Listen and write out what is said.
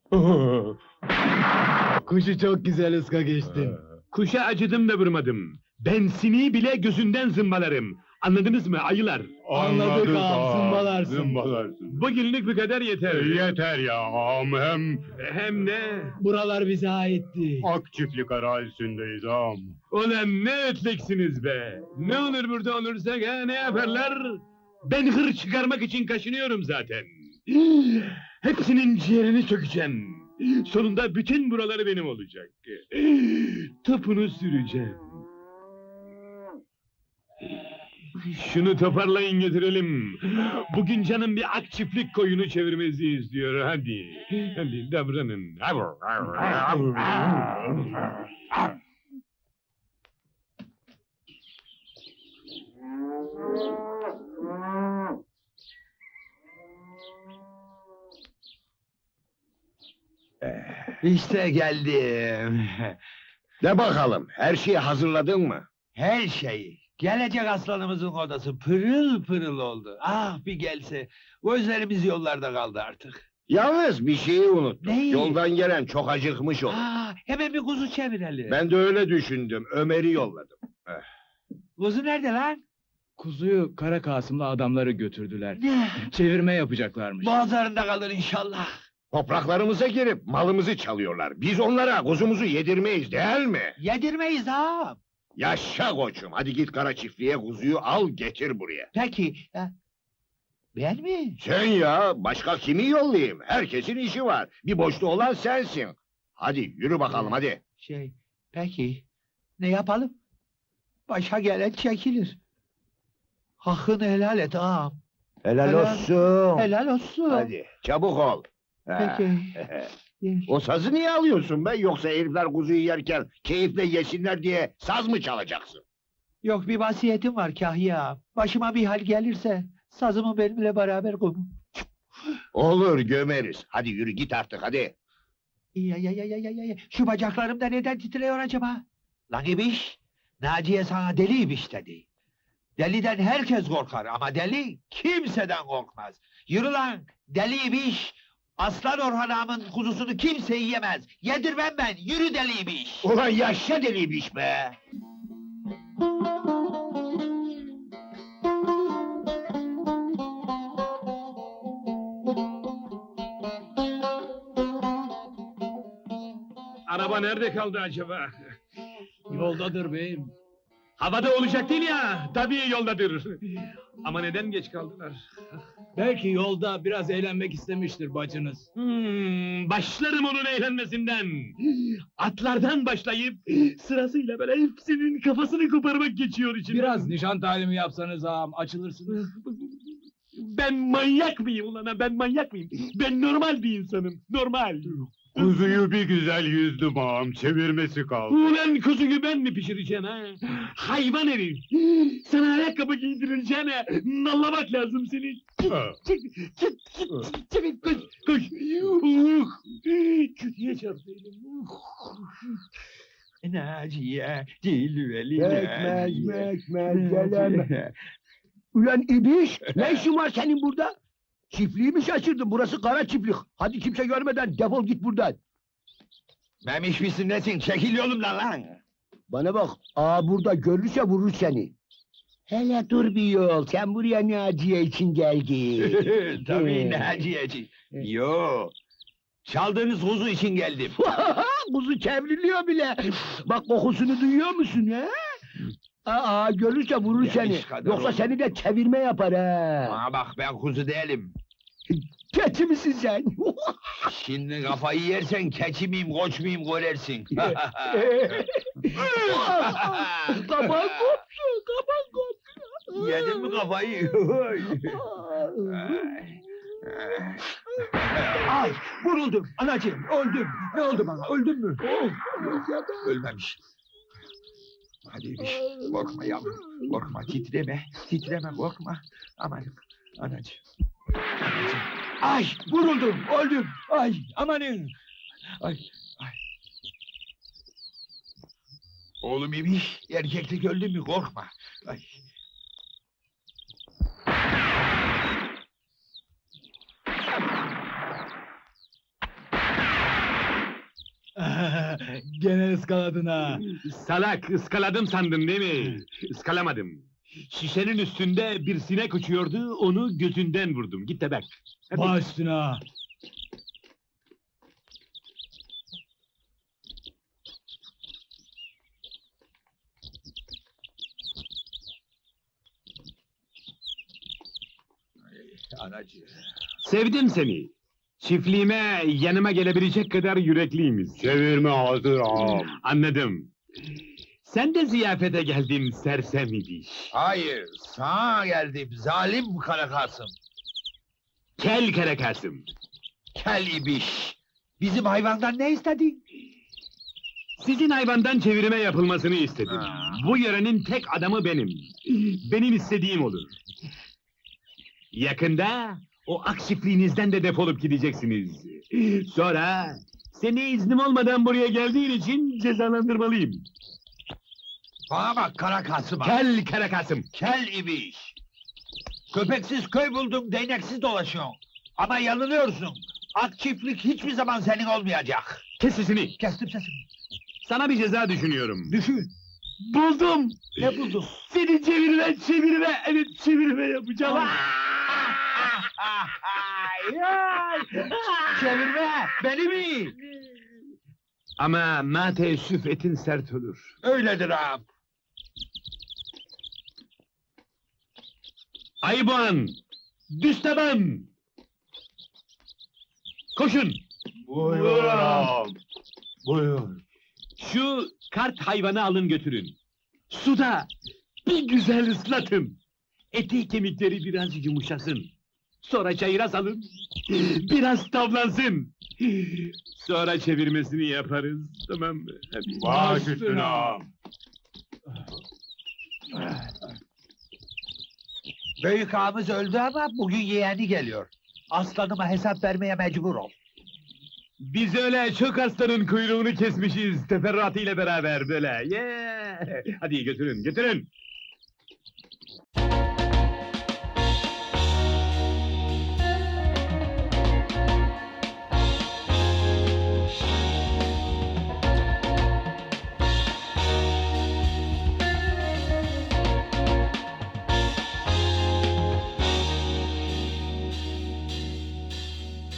Kuşu çok güzel ıska geçtin. Kuşa acıdım da vurmadım. Ben sineği bile gözünden zımbalarım. Anladınız mı ayılar? Anladık ağam, zımbalarsın. Zımbalarsın. Bugünlük bu kadar yeter. Yeter ya ağam, Hem ne? Buralar bize aitti. ak çiftlik arazisindeyiz ağam. Ulan ne ötleksiniz be! Ne olur burada olursak ha, ne yaparlar? Ben hır çıkarmak için kaşınıyorum zaten. Hepsinin ciğerini sökeceğim. Sonunda bütün buraları benim olacak. Topunu süreceğim. Şunu toparlayın götürelim. Bugün canım bir ak çiftlik koyunu çevirmesi istiyor. Hadi, hadi davranın. İşte geldim. De bakalım, her şeyi hazırladın mı? Her şeyi. Gelecek aslanımızın odası pırıl pırıl oldu. Ah bir gelse. Gözlerimiz yollarda kaldı artık. Yalnız bir şeyi unuttum. Neyi? Yoldan gelen çok acıkmış olur. Hemen bir kuzu çevirelim. Ben de öyle düşündüm, Ömer'i yolladım. Kuzu nerede lan? Kuzuyu Kara Kasım'la adamları götürdüler. Ne? Çevirme yapacaklarmış. Boğazlarında kalır inşallah. Topraklarımıza girip malımızı çalıyorlar. Biz onlara kuzumuzu yedirmeyiz değil mi? Yedirmeyiz ha. Yaşa koçum, hadi git kara çiftliğe kuzuyu al getir buraya. Peki. Ben mi? Sen ya, başka kimi yollayayım? Herkesin işi var. Bir boşta olan sensin. Hadi yürü bakalım hadi. Peki. Ne yapalım? Başa gelen çekilir. Hakkını helal et ağam. Helal olsun. Helal olsun. Hadi çabuk ol. Peki. O sazı niye alıyorsun be? Yoksa herifler kuzuyu yerken keyifle yesinler diye saz mı çalacaksın? Yok bir vasiyetim var Kahya. Başıma bir hal gelirse sazımı benimle beraber koyun. Olur gömeriz. Hadi yürü git artık hadi. Ya. Şu bacaklarım da neden titriyor acaba? Lan ibiş, Naciye sana deli ibiş dedi. Deliden herkes korkar ama deli kimseden korkmaz. Yürü lan deli ibiş. Aslan Orhan ağamın kuzusunu kimse yiyemez. Yedirmem ben. Yürü deli ibiş. Ulan yaşa deliymiş be! Araba nerede kaldı acaba? Yoldadır beyim. Havada olacak değil ya, tabii yoldadır. Ama neden geç kaldılar? Belki yolda biraz eğlenmek istemiştir bacınız. Başlarım onun eğlenmesinden. Atlardan başlayıp sırasıyla böyle hepsinin kafasını koparmak geçiyor içinden. Biraz nişan talimi yapsanız ağam, açılırsınız. Ben manyak mıyım ulan ha? Ben manyak mıyım? Ben normal bir insanım, normal. Kuzuyu bir güzel yüzdüm ağam, çevirmesi kaldı. Ulan kuzuyu ben mi pişireceğim ha? Hayvan herif! Sana ayakkabı giydireceğine nallamak lazım seni. Çabuk koş, koş! Kötüye çarptı elim. Naciye, cilveli geleme. Ulan ibiş, ne işin var senin burada? Çiftliği mi şaşırdın? Burası kara çiftlik. Hadi kimse görmeden defol git buradan. Memiş misin nesin? Çekil yolumdan lan! Bana bak, burada görürse vurur seni. Hele dur bir yol, sen buraya Naciye için geldin. Tabii Naciye'ci. Yo, çaldığınız kuzu için geldim. Kuzu çevriliyor bile. Bak kokusunu duyuyor musun ha? Görürse vurur Ya seni. iş kadar Yoksa oldu. seni de çevirme yapar ha. Bana bak ben kuzu değilim. Keçi misin sen? Şimdi kafayı yersen keçi miyim koç muyum görersin. Kapan koptu, kapan koptu. Yedin mi kafayı? Ay vuruldum anacığım öldüm. Ne oldu bana öldüm mü? Ölmemiş. Hadi ibiş, korkma yavrum, korkma, titreme, korkma. Amanım, anacığım. Ay, vuruldum, öldüm, ay, amanın. Ay. Oğlum ibiş, erkeklik öldü mü, korkma. Ay. Gene ıskaladın ha. Salak, ıskaladım sandın değil mi? Iskalamadım. Şişenin üstünde bir sinek uçuyordu, onu gözünden vurdum. Git de bak. Hadi. Baş üstüne ha. Anacığım. Sevdim seni. Çiftliğime yanıma gelebilecek kadar yürekliyimiz. Çevirme hazır ağam. Anladım. Sen de ziyafete geldin sersem ibiş. Hayır, sana geldim zalim Kara Kasım. Kel kere Kasım. Kel ibiş. Bizim hayvandan ne istedin? Sizin hayvandan çevirme yapılmasını istedim. Ha. Bu yörenin tek adamı benim. Benim istediğim olur. Yakında o ak çiftliğinizden de defolup gideceksiniz. Sonra seni iznim olmadan buraya geldiğin için cezalandırmalıyım. Bana bak Kara Kasım. Kel kere Kasım. Kel ibiş. Köpeksiz köy buldum, değneksiz dolaşıyorsun. Ama yanılıyorsun. Ak çiftlik hiçbir zaman senin olmayacak. Kes sesini. Kestim sesimi. Sana bir ceza düşünüyorum. Düşün. Buldum. Ne buldun? Seni çevirme, evet çevirme yapacağım. Çevirme, beni mi? Ama ma teessüf etin sert olur. Öyledir ağam. Ayıboğan, Düsteban. Koşun. Buyur ağam. Buyur. Şu kart hayvanı alın götürün. Suda bir güzel ıslatın. Eti kemikleri biraz yumuşasın. Sonra çayıra salın. Biraz tavlansın. Sonra çevirmesini yaparız. Tamam mı? Hadi. Baş üstüne ağam. Büyük ağamız öldü ama bugün yeğeni geliyor. Aslanıma hesap vermeye mecbur ol. Biz öyle çok aslanın kuyruğunu kesmişiz teferruatıyla beraber böyle. Yeah. Hadi götürün, götürün.